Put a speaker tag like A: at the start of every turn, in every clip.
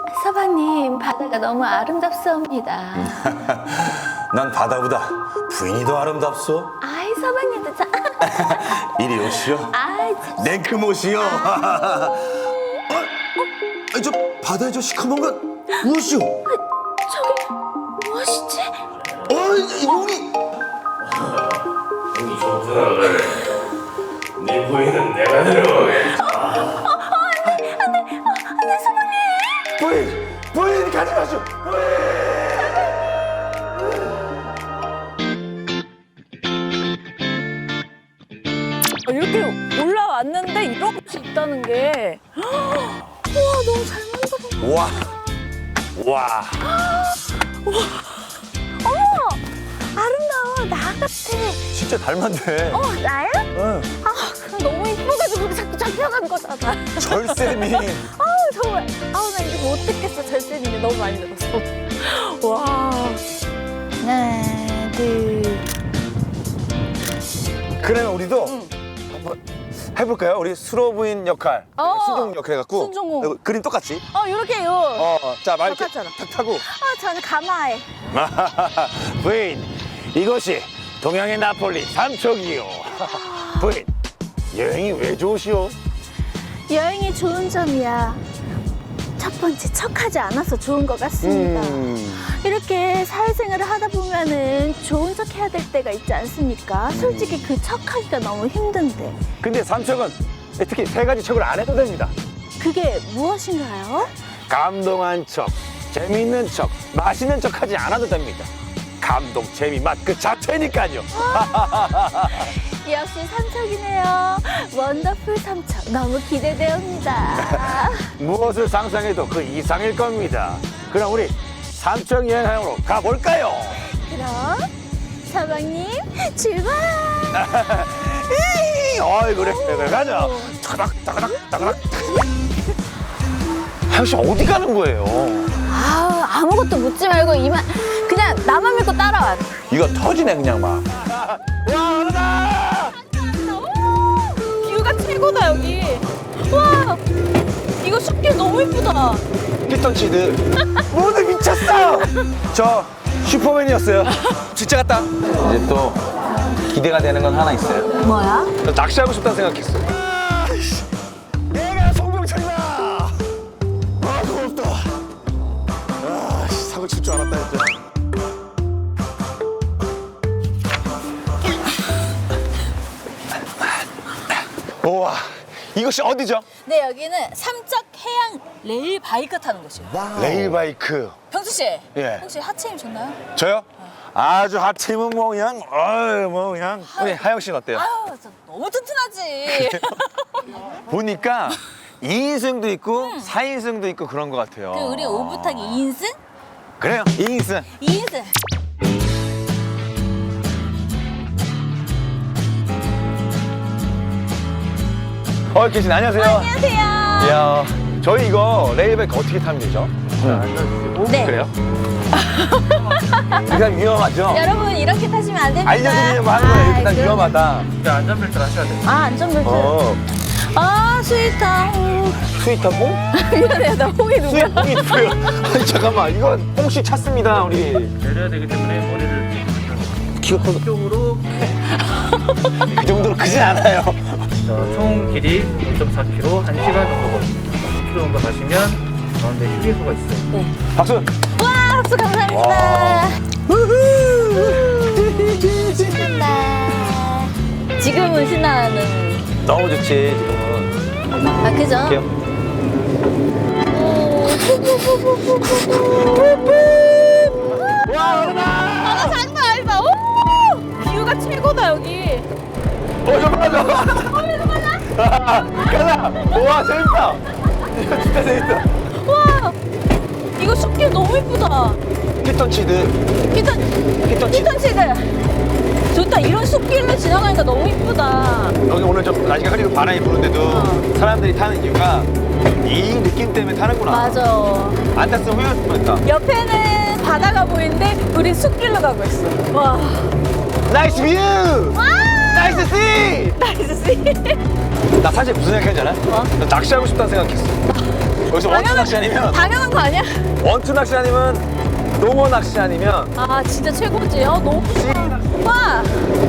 A: 서방님, 바다가 너무 아름답사옵니다.
B: 난 바다보다 부인이 더 아름답소.
A: 아이, 서방님도 참.
B: 이리 오시오.
A: 아이, 참.
B: 냉큼 오시오. 저 바다에 저 시커먼 건 무엇이오?
A: 저기 무엇이지?
B: 용이.
C: 이 좋구나. 네 부인은 내가 데려가겠다.
A: 안돼, 서방님.
B: 부인 가지 마시오.
D: 이렇게 올라왔는데 이렇게 있다는 게 우와 너무 잘 만들어.
B: 와. 와.
A: 어머, 아름다워. 나 같아.
B: 진짜 닮았네.
A: 나야?
B: 응.
A: 너무 이뻐가지고 자꾸 잡혀간 거잖아.
B: 절세미.
A: 정말. 나 이거 못 듣겠어. 절세님이 너무 많이 들어서.
D: 와.
A: 하나, 둘.
B: 그러면 우리도 한번 해볼까요? 우리 수로 부인 역할, 순종 역할 해갖고
D: 순종호.
B: 그림 똑같이.
A: 이렇게요.
B: 자, 말 이렇게
A: 똑같잖아.
B: 탁 타고.
A: 저는 가마에.
B: 부인, 이것이 동양의 나폴리 삼척이요. 부인, 여행이 왜 좋으시오?
A: 여행이 좋은 점이야. 첫 번째, 척하지 않아서 좋은 것 같습니다. 이렇게 사회생활을 하다 보면은 좋은 척 해야 될 때가 있지 않습니까? 솔직히 그 척하기가 너무 힘든데.
B: 근데 삼척은 특히 세 가지 척을 안 해도 됩니다.
A: 그게 무엇인가요?
B: 감동한 척, 재미있는 척, 맛있는 척 하지 않아도 됩니다. 감동, 재미, 맛 그 자체니까요.
A: 역시 삼척이네요. 원더풀 삼척. 너무 기대되옵니다.
B: 무엇을 상상해도 그 이상일 겁니다. 그럼 우리 삼척 여행하러 가볼까요?
A: 그럼 서방님 출발!
B: 어이 그래 가자. 따그닥 따그닥 따그닥. 하영 씨 어디 가는 거예요?
A: 아무것도 묻지 말고 그냥 나만 믿고 따라와.
B: 이거 터지네 그냥 막. 와 얼어다.
D: 뷰가 최고다 여기. 와. 이거 숲길 너무 이쁘다.
B: 피톤치드 모두 미쳤어. 저 슈퍼맨이었어요. 진짜 같다.
E: 이제 또 기대가 되는 건 하나 있어요.
A: 뭐야?
B: 나 낚시하고 싶다는 생각했어. 내가 송병철이다. 고맙다. 사고 칠 줄 알았다 진짜. 우와, 이것이 어디죠?
D: 네 여기는 삼척 해양 레일 바이크 타는 곳이에요.
B: 레일바이크.
D: 병수 씨.
B: 예.
D: 혹시 하체 힘 좋나요?
B: 저요? 아주 하체는 뭐 그냥, 뭐 그냥. 우리 하영 씨는 어때요?
D: 아유 진짜 너무 튼튼하지.
B: 보니까 2인승도 있고 4인승도 있고 그런 것 같아요.
D: 그 우리 오붓하기 2인승?
B: 그래요, 2인승.
D: 2인승.
B: 계신 안녕하세요.
D: 안녕하세요.
B: 이야, 저희 이거 레일바이크 어떻게 타면 되죠?
D: 네.
B: 그래요? 일단 위험하죠?
D: 여러분 이렇게 타시면 안 됩니다.
B: 알려드리려고 하는 거예요. 일단
D: 그럼-
B: 위험하다.
C: 안전벨트 하셔야 돼요.
D: 안전벨트. 스위터.
B: 스위터뽕?
D: 미안해요 나 홍이 누구야?
B: 스위터뽕이 누구예요? 아니 잠깐만, 이건 뽕씨 찼습니다 우리.
C: 내려야 되기 때문에 머리를
B: 키가 커서
C: 쪽으로
B: 그 정도로 크진 않아요.
C: 총 길이 5.4km, 1시간 정도 걸립니다. 10km 정도 가시면 가운데 휴게소가 있어요.
B: 박수.
D: 와 박수 감사합니다. 신난다. 지금은 신나는.
B: 너무 좋지 지금은.
D: 그죠?
B: 할게요. 와 얼마.
D: 장난 아니다. 오! 뷰가 최고다 여기.
B: 잠깐만. 가자. 와 재밌다. 이거 진짜 재밌다.
D: 와 이거 숲길 너무 이쁘다.
B: 피톤치드.
D: 피톤치드. 좋다. 이런 숲길로 지나가니까 너무 이쁘다.
B: 여기 오늘 좀 날씨가 흐리고 바람이 부는데도 사람들이 타는 이유가 이 느낌 때문에 타는구나.
D: 맞아.
B: 안 탔으면 후회했을 뻔했다.
D: 옆에는 바다가 보이는데 우리 숲길로 가고 있어. 와.
B: 나이스 뷰!
D: 와!
B: 나이스 씨!
D: 나이스 씨.
B: 나 사실 무슨 생각했지 않아?
D: 뭐?
B: 나 낚시하고 싶다는 생각했어. 여기서 원투 낚시 아니면
A: 당연한 거 아니야?
B: 원투 낚시 아니면 농어 낚시 아니면
A: 아 진짜 최고지. 너무 좋아. 와.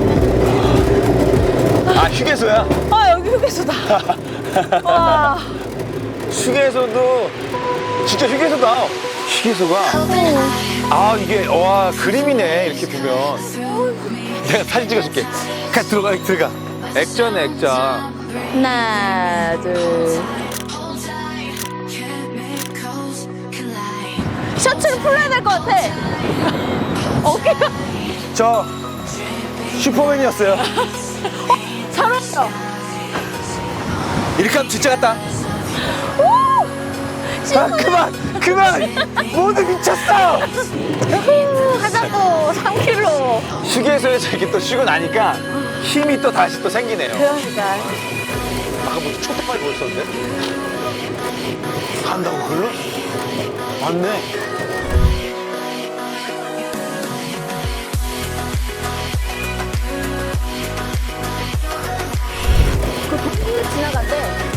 B: 아 휴게소야.
A: 아 여기 휴게소다. 와.
B: 휴게소도 진짜 휴게소다. 휴게소가 아 이게 와 그림이네 이렇게 보면. 내가 사진 찍어줄게. 들어가. 액자네 액자.
A: 하나 둘. 셔츠를 풀어야 될 것 같아. 어깨가
B: 저 슈퍼맨이었어요.
A: 잘 어울려.
B: 이렇게 하면 진짜 같다. 아 그만 모두 미쳤어.
A: 하자고 3kg.
B: 휴게소에서 이렇게 또 쉬고 나니까 힘이 또 다시 또 생기네요.
A: 그러니까.
B: 아까 뭐 초토파이 보였었는데? 간다고 글로? 맞네.
A: 그 도로를 지나간대.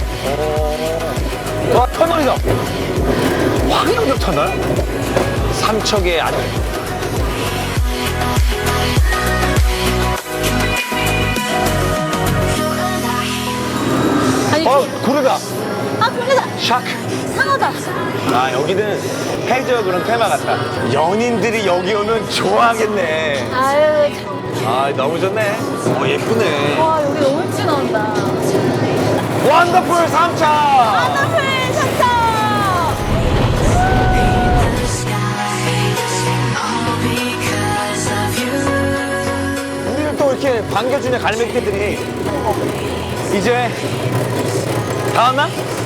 B: 와 터널이다. 황영역 터널? 삼척의 아들.
A: 아니,
B: 고래다.
A: 아 그러다.
B: 샤크.
A: 상어다.
B: 아 여기는 해저 그런 테마 같다. 연인들이 여기 오면 좋아하겠네.
A: 아유 참.
B: 아 너무 좋네. 예쁘네.
A: 와 여기 너무 예쁘게 나온다.
B: 원더풀 삼척.
A: 하나풀 셔츠.
B: 우리를 또 이렇게 반겨주는 갈매기들이 이제 다 왔나?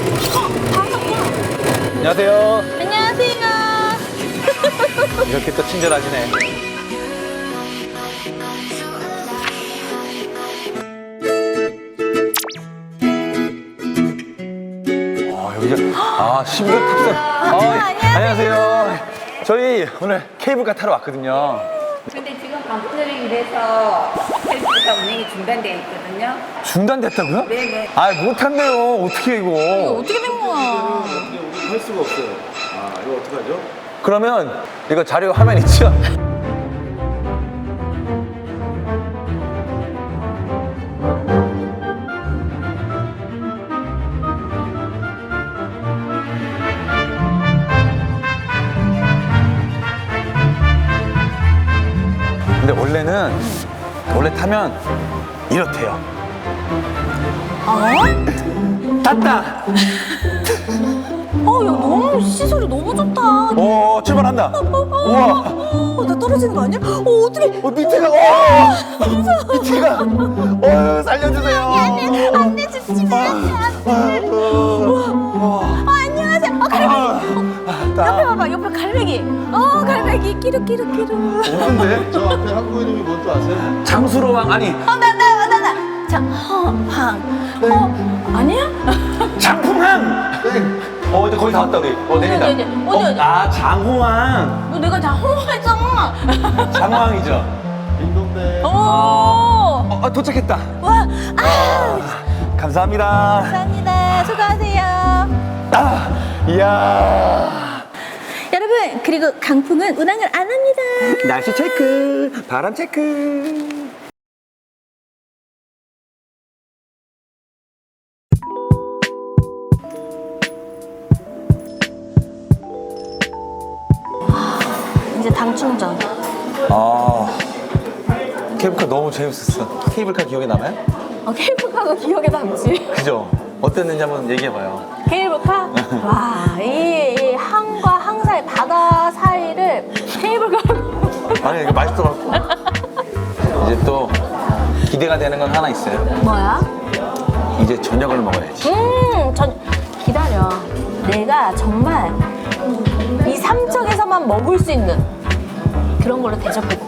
B: 안녕하세요.
A: 안녕하세요.
B: 이렇게 또 친절하시네. 여기가 신비의 탑승. 안녕하세요. 저희 오늘 케이블카 타러 왔거든요.
F: 근데 지금 방문을 이래서 헬스가 운행이 중단되어 있거든요.
B: 중단됐다고요?
F: 네네.
B: 아 못한대요. 어떻게 이거?
A: 어떻게 된 거야?
B: 할 수가 없어요. 아 이거 어떡하죠? 그러면 이거 자료 화면 있죠? 근데 원래 타면 이렇대요. 탔다.
A: 야 너무 시설이 너무 좋다.
B: 오 출발한다. 우와.
A: 나 떨어지는 거 아니야? 어떻게?
B: 밑에가 밑에가 살려주세요.
A: 안돼 죽지 마. 안녕하세요. 갈매기. 옆에 봐봐. 옆에 갈매기. 갈매기 끼룩끼룩끼룩.
G: 없는데? 저 앞에 한국 이름이 뭔지 아세요?
B: 장수로왕 아니
A: 나. 자, 아니야?
B: 장풍왕. 이제 거의 다 왔다 우리. 내린다.
A: 어디?
B: 아 장호왕.
A: 너 내가 다 홍보했잖아.
B: 장호왕이죠.
G: 딩동댕.
B: 도착했다.
A: 와,
B: 감사합니다.
A: 감사합니다. 수고하세요.
B: 이야.
A: 여러분, 그리고 강풍은 운항을 안 합니다.
B: 날씨 체크, 바람 체크.
A: 이제 당 충전.
E: 케이블카 너무 재밌었어. 케이블카 기억에 남아요?
A: 케이블카가 기억에 남지.
E: 그죠? 어땠는지 한번 얘기해봐요.
A: 케이블카? 와, 이 항과 항 사이, 바다 사이를 케이블카로.
E: 아니 이게 맛있어갖고. 이제 또 기대가 되는 건 하나 있어요.
A: 뭐야?
E: 이제 저녁을 먹어야지.
A: 기다려. 내가 정말 이 삼척에서만 먹을 수 있는 그런 걸로 대접해.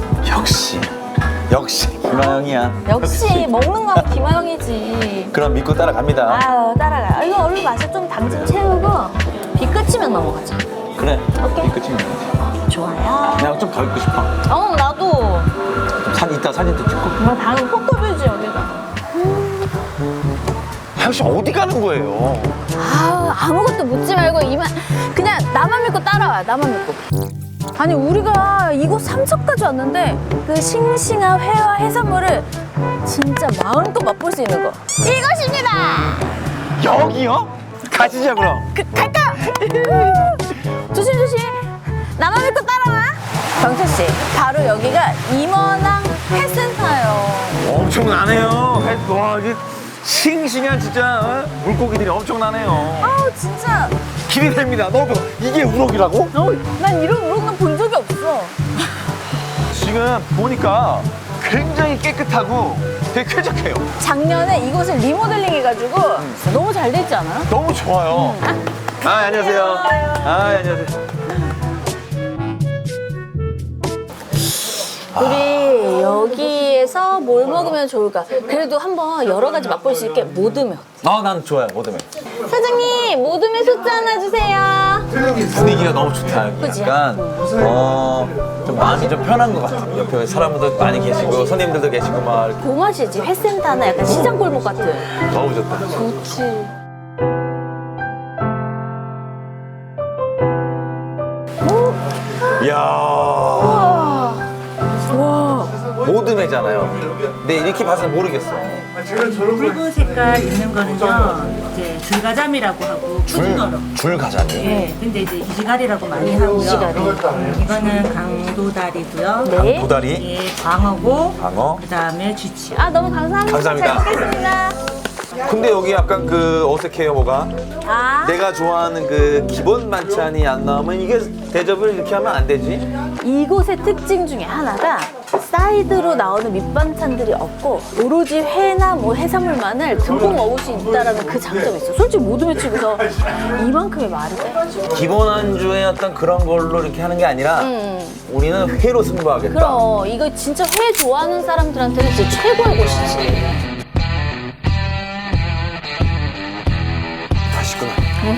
E: 역시 김하영이야.
A: 역시 먹는 건 김하영이지.
E: 그럼 믿고 따라갑니다.
A: 아유, 따라가. 이거 얼른 마셔. 좀 당 좀 채우고 비 끝이면 넘어가자.
E: 그래.
A: 오케이.
E: 끝이면 되지.
A: 좋아요.
E: 내가 좀 더 있고 싶어.
A: 나도.
E: 좀 이따 사진도 찍고.
A: 당은 폭도뷰지 여기가.
B: 당신 어디 가는 거예요?
A: 아무것도 묻지 말고 그냥 나만 믿고 따라와. 나만 믿고. 아니 우리가 이곳 삼척까지 왔는데 그 싱싱한 회와 해산물을 진짜 마음껏 맛볼 수 있는 거 이것입니다.
B: 여기요? 가시죠 그럼.
A: 갈까? 조심 조심. 나만 믿고 따라와. 경철 씨, 바로 여기가 임원항 회센터예요.
B: 엄청나네요. 와 이게 싱싱한 진짜 물고기들이 엄청나네요.
A: 아우 진짜.
B: 기대됩니다. 너무 이게 우럭이라고?
A: 난 이런 우럭은 본 적이 없어.
B: 지금 보니까 굉장히 깨끗하고 되게 쾌적해요.
A: 작년에 이곳을 리모델링 해가지고 너무 잘 됐지 않아요?
B: 너무 좋아요. 안녕하세요. 안녕하세요.
A: 우리 여기에서 뭘 먹으면 좋을까? 그래도 한번 여러 가지 맛볼 수 있게 모듬면.
E: 난 좋아요, 모듬에.
A: 사장님, 모듬면 소주 하나 주세요.
E: 분위기가 너무 좋다.
A: 그치?
E: 약간, 좀 마음이 좀 편한 것 같아요. 옆에 사람들도 많이 계시고, 손님들도 계시고, 막. 이렇게.
A: 그 맛이지. 회센터나 약간 시장 골목 같은.
E: 너무 좋다.
A: 좋지.
B: 이야.
A: 와. 와.
E: 모듬회잖아요. 근데 이렇게 봐서는 모르겠어요.
H: 붉은 색깔 있는 거는요, 이제 줄가자미라고 하고 푸드너로.
E: 줄가자미.
H: 네, 근데 이제 이시가리라고 많이 하고요.
A: 이시가리.
H: 이거는 강도다리고요.
A: 네.
E: 도다리,
H: 예, 광어고,
E: 방어.
H: 그다음에 쥐치.
A: 아, 너무 감사합니다.
E: 감사합니다.
A: 잘 먹겠습니다.
E: 근데 여기 약간 그 어색해요, 뭐가?
A: 아.
E: 내가 좋아하는 그 기본 반찬이 안 나오면 이게 대접을 이렇게 하면 안 되지?
A: 이곳의 특징 중에 하나가 사이드로 나오는 밑반찬들이 없고 오로지 회나 뭐 해산물만을 듬뿍 먹을 수 있다는 그 장점이 있어. 솔직히 모둠에 치고서 이만큼의 말이 돼.
E: 기본 안주의 어떤 그런 걸로 이렇게 하는 게 아니라 우리는 회로 승부하겠다.
A: 그럼 이거 진짜 회 좋아하는 사람들한테는 진짜 최고의 곳이지.
E: 맛있구나.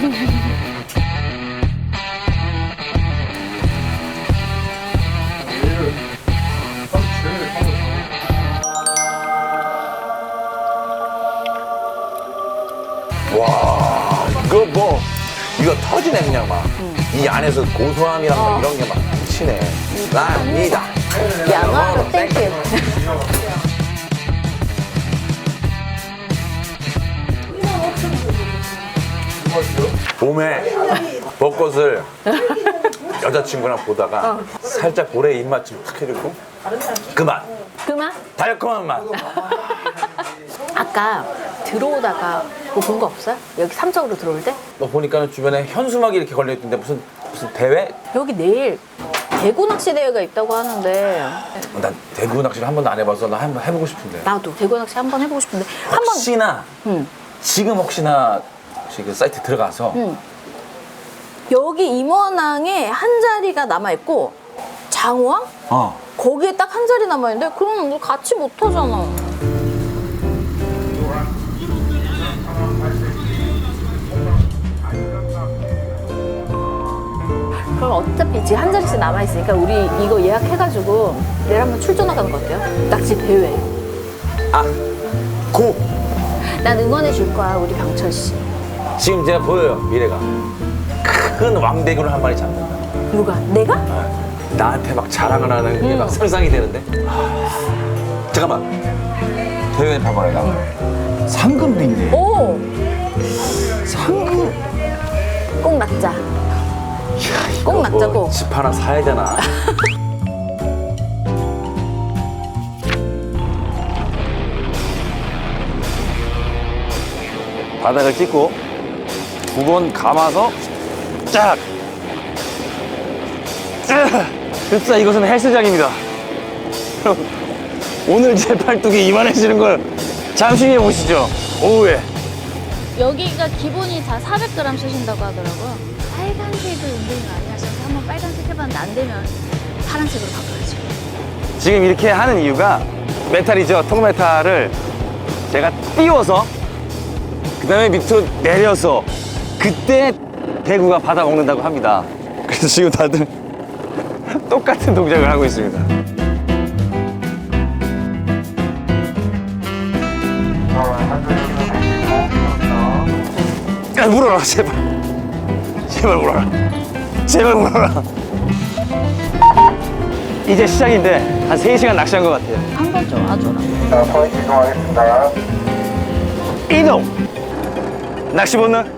B: 와 이거 터지네 그냥 막. 이 안에서 고소함이랑 막 이런 게 막 미치네. 납니다.
A: 양아로 땡큐.
E: 봄에 벚꽃을 여자친구랑 보다가 살짝 볼에 입맛 좀 탁 해주고 그만
A: 그만?
E: 달콤한 맛.
A: 아까 들어오다가 뭐 본 거 없어요? 여기 삼척으로 들어올 때?
E: 너 보니까 주변에 현수막이 이렇게 걸려있던데 무슨 대회?
A: 여기 내일 대구 낚시 대회가 있다고 하는데
E: 난 대구 낚시를 한 번도 안 해봐서 나 한번 해보고 싶은데.
A: 나도 대구 낚시 한번 해보고 싶은데 한번
E: 혹시나 지금 혹시나 혹시 그 사이트 들어가서
A: 여기 임원항에 한 자리가 남아있고 장호항? 거기에 딱 한 자리 남아있는데 그럼 우리 같이 못 하잖아. 그럼 어차피 지금 한 자리씩 남아있으니까 우리 이거 예약해가지고 내일 한번 출전 나가는 거 어때요? 낚시 대회.
E: 고!
A: 난 응원해 줄 거야 우리 병철 씨.
E: 지금 제가 보여요 미래가 큰 왕대구를 한 마리 잡는다.
A: 누가? 내가?
E: 나한테 막 자랑을 하는 게 막 상상이 되는데. 잠깐만 대회 봐봐요 나. 상금인데.
A: 오!
E: 상금.
A: 꼭 낚자. 꼭 낚자고.
E: 집 하나 사야 되나?
B: 바닥을 찍고 두 번 감아서 쫙. 흡사 이것은 헬스장입니다. 여러분, 오늘 제 팔뚝이 이만해지는 걸 잠시 후에 보시죠. 오후에.
A: 여기가 기본이 다 400g 쓰신다고 하더라고요. 빨간색을 은근히 많이 하셔서 한번 빨간색 해봤는데 안 되면 파란색으로 바꿔야죠.
B: 지금 이렇게 하는 이유가 메탈이죠. 통메탈을 제가 띄워서 그 다음에 밑으로 내려서 그때 대구가 받아 먹는다고 합니다. 그래서 지금 다들 똑같은 동작을 하고 있습니다. 야, 물어라, 제발. 제발 물어라. 제발 물어라. 이제 시작인데 한 3시간 낚시한 것 같아요.
A: 한 번 좀 와줘라.
G: 자, 포인트 이동하겠습니다.
B: 이동! 낚시 본능?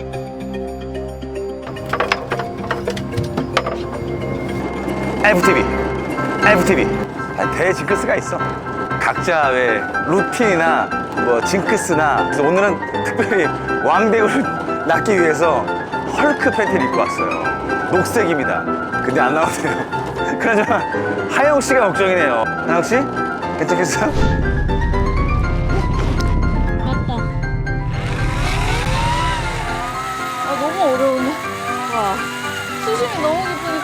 B: FTV. 대징크스가 있어. 각자 왜 루틴이나 뭐 징크스나. 그래서 오늘은 특별히 왕배우를 낚기 위해서 헐크 팬티를 입고 왔어요. 녹색입니다. 근데 안 나오네요. 그나저나 하영 씨가 걱정이네요. 하영 씨? 괜찮겠어요?
A: 맞다. 아, 너무 어려우네. 와. 수심이 너무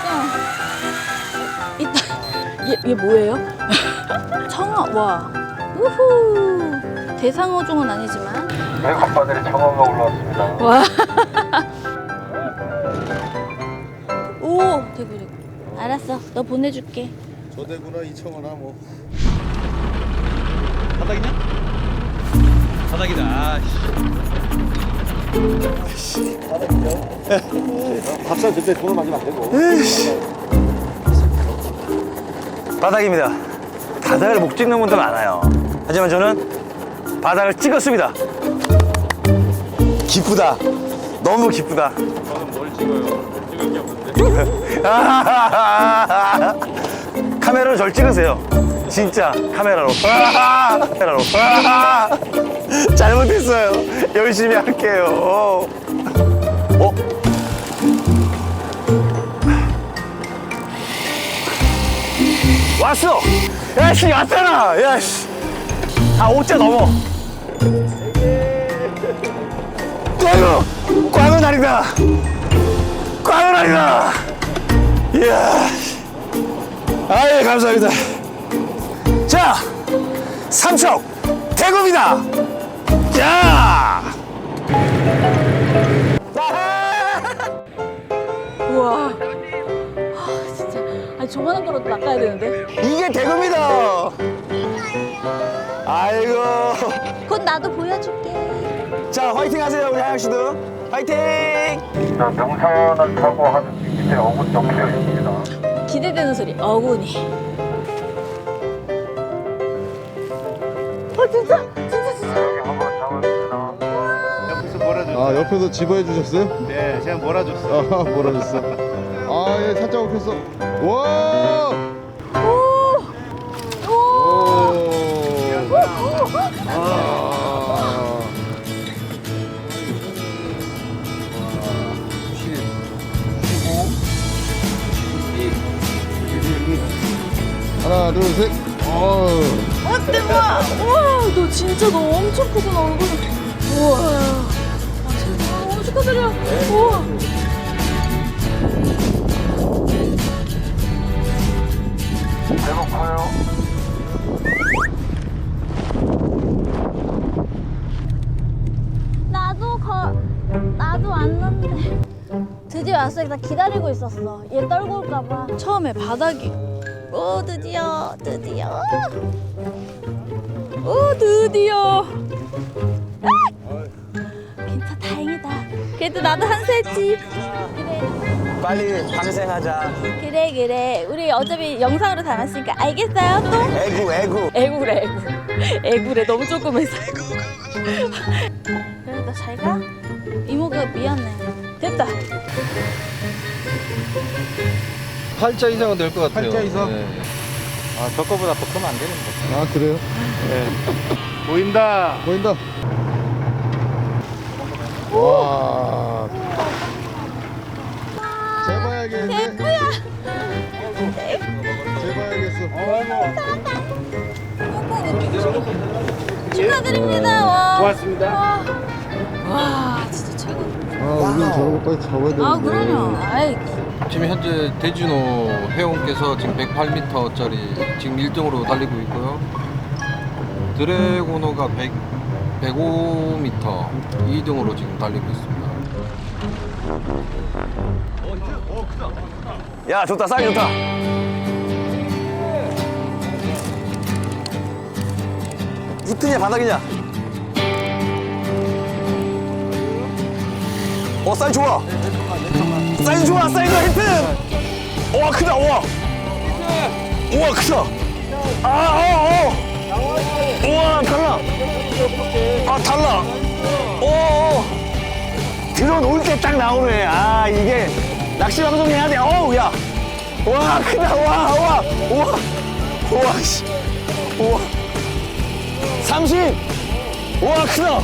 A: 깊으니까. 얘 뭐예요? 청어, 와. 우후. 대상어종은 아니지만.
G: 백합바늘에 청어가 올라왔습니다.
A: 와. 오, 대구. 알았어. 너 보내줄게.
G: 저 대구나 이 청어나 뭐.
B: 바닥이냐? 바닥이다.
G: 밥상 그때 돈을 맞으면 안 되고.
B: 바닥입니다. 바닥을 못 찍는 분들 많아요. 하지만 저는 바닥을 찍었습니다. 기쁘다. 너무 기쁘다. 저는 뭘 찍어요? 찍을 게 없는데. 카메라로 절 찍으세요. 진짜 카메라로. 카메라로. 잘못했어요. 열심히 할게요. 왔어! 야씨 왔잖아! 야씨! 아 5자 넘어! 꽝은 아니다! 꽝은 아니다! 이야! 아예 감사합니다. 자! 삼척 대구입니다! 자!
A: 우와. 아, 진짜. 아니, 저만한 거라도 낚아야 되는데.
B: 이게 대구입니다! 아이고.
A: 곧 나도 보여줄게.
B: 자, 화이팅 하세요, 우리 하영 씨도. 화이팅!
G: 자, 명산을 타고 한 밑에 어군 정피어 있습니다.
A: 기대되는 소리. 어구니. 진짜.
G: 여기 한번 잡았습니다.
C: 옆에서 몰아줘.
G: 아, 옆에서 집어해 주셨어요?
C: 네, 제가 몰아줬어.
G: 아, 몰아줬어. 아, 예, 살짝 엉켰어. 와! 오! 아. 하나, 둘, 셋.
A: 어때, 와. 우와, 너 진짜 너 엄청 크구나, 얼굴. 우와. 너무 축하드려. 우와.
G: 배고파요.
A: 나도 왔는데. 드디어 왔어. 나 기다리고 있었어. 얘 떨고 올까봐. 처음에 바닥이. 오, 드디어. 오, 드디어. 괜찮아, 다행이다. 그래도 나도 한 수 했지. 그래.
B: 빨리 방생하자.
A: 그래. 우리 어차피 영상으로 담았으니까 알겠어요, 또?
B: 애구.
A: 애구래. 애구래. 너무 조그매서. 그래, 너 잘 가? 이모가 미안해. 됐다.
E: 8자 이상은 될 것 같아요.
G: 8자 이상?
E: 네.
C: 아, 저 거보다 더 크면 안 되는데.
G: 아, 그래요?
C: 보인다.
G: 보인다. 와. 재봐야겠네.
A: 대구야.
G: 재봐야겠어.
A: 축하드립니다. 와.
C: 고맙습니다.
A: 와, 진짜 최고.
G: 아, 우리는 저런 것까지 잡아야 되는데.
A: 아, 그럼요. 아이.
E: 지금 현재 대진호 회원께서 지금 108m짜리 지금 1등으로 달리고 있고요. 드래곤호가 105m 2등으로 지금 달리고 있습니다.
B: 야, 좋다. 쌀 좋다. 히트냐 바닥이냐? 사이즈 좋아. 사이즈 좋아. 사이즈 히트. 우와 크다. 우와. 우와 크다. 우와 달라. 달라. 오. 들어놓을 때 딱 나오네. 이게 낚시 방송 해야 돼. 야. 와 크다. 우와. 씨. 우와. 30. 우와 크다.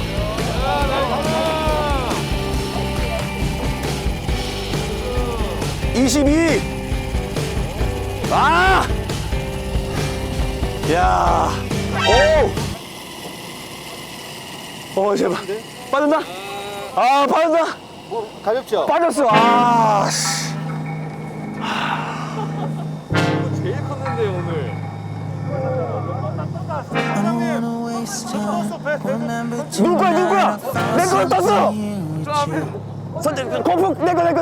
B: 22. 야. 오. 제발. 빠졌나? 빠졌나?
G: 가볍죠?
B: 빠졌어. 씨.
G: 제일 컸는데 오늘.
B: 누구야? 내 거 떴어. 선택 거북 내 거.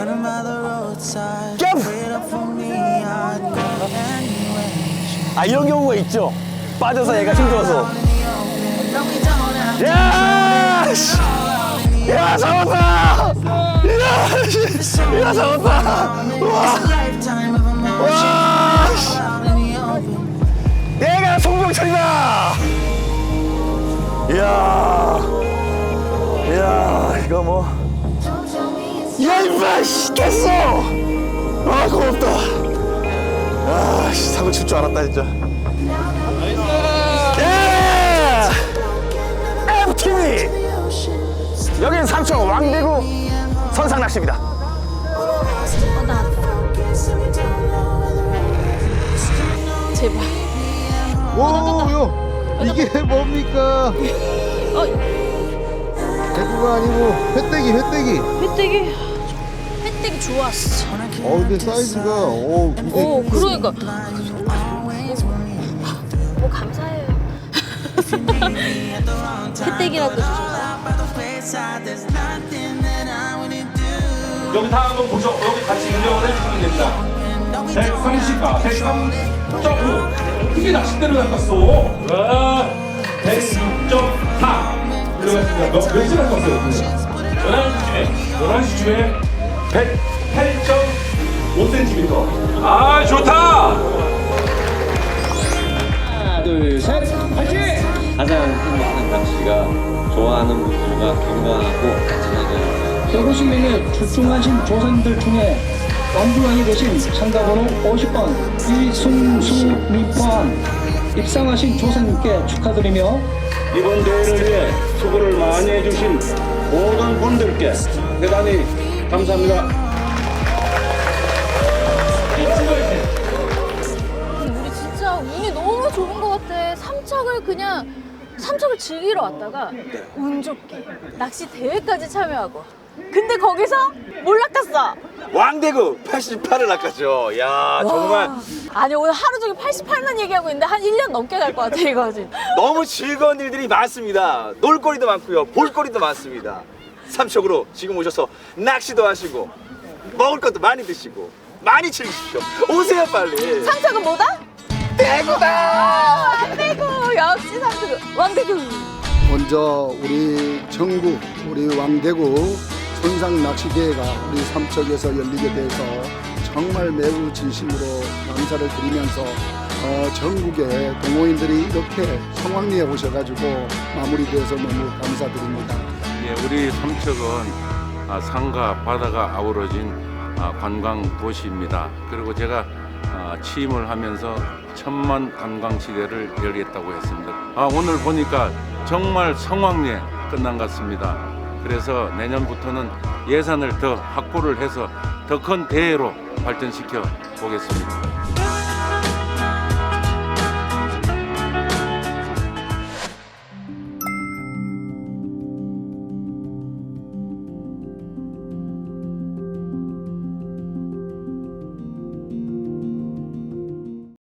B: 이런 경우가 있죠. 빠져서 얘가 힘들어서. 야 잡았다. 야 잡았다. 와. 내가 송병철이다. 이야 이거 뭐. 야 임마 씨 됐어. 고맙다. 사고 칠 줄 알았다 진짜. MTV 여기는 삼천 왕대구 선상낚시입니다.
A: 제발.
G: 이게 뭡니까? 대구가 아니고 회떼기.
A: 횟대기 좋았어.
G: 근데 사이즈가
A: 그러니까. 뭐 감사해요. 횟대기라도 주셔서.
I: 여기 다 한번 보죠. 여기 같이 인정을 해주시면 됩니다. 130가 103.5 어떻게 낚싯대를 낚았어? 106.4 들어갔습니다. 몇 시간 낚았어요? 11시쯤에 108.5cm. 좋다!
E: 하나, 둘, 셋, 파이팅! 가장 행복한 낚시가 좋아하는 분들과 건강하고 안전하게
J: 150명의 출중하신 조선들 중에 완주왕이 되신 참가번호 50번 이승수님 포함 입상하신 조선님께 축하드리며 이번 대회를 위해 수고를 많이 해주신 모든 분들께 대단히 감사합니다.
A: 우리 진짜 운이 너무 좋은 것 같아. 삼척을 즐기러 왔다가 운 좋게 낚시 대회까지 참여하고. 근데 거기서 뭘 낚았어?
B: 왕대구 88을 낚았죠. 야 정말
A: 아니 오늘 하루 종일 88만 얘기하고 있는데 한 1년 넘게 갈 것 같아 이거 지금.
B: 너무 즐거운 일들이 많습니다. 놀거리도 많고요. 볼거리도 많습니다. 삼척으로 지금 오셔서 낚시도 하시고 먹을 것도 많이 드시고 많이 즐기십시오. 오세요 빨리.
A: 삼척은 뭐다? 대구다. 왕대구 역시 삼척 왕대구.
K: 먼저 우리 전국 우리 왕대구 선상 낚시대회가 우리 삼척에서 열리게 돼서 정말 매우 진심으로 감사를 드리면서 전국의 동호인들이 이렇게 성황리에 오셔가지고 마무리돼서 너무 감사드립니다.
I: 우리 삼척은 산과 바다가 아우러진 관광 도시입니다. 그리고 제가 취임을 하면서 1000만 관광지대를 열겠다고 했습니다. 오늘 보니까 정말 성황리에 끝난 것 같습니다. 그래서 내년부터는 예산을 더 확보를 해서 더 큰 대회로 발전시켜 보겠습니다.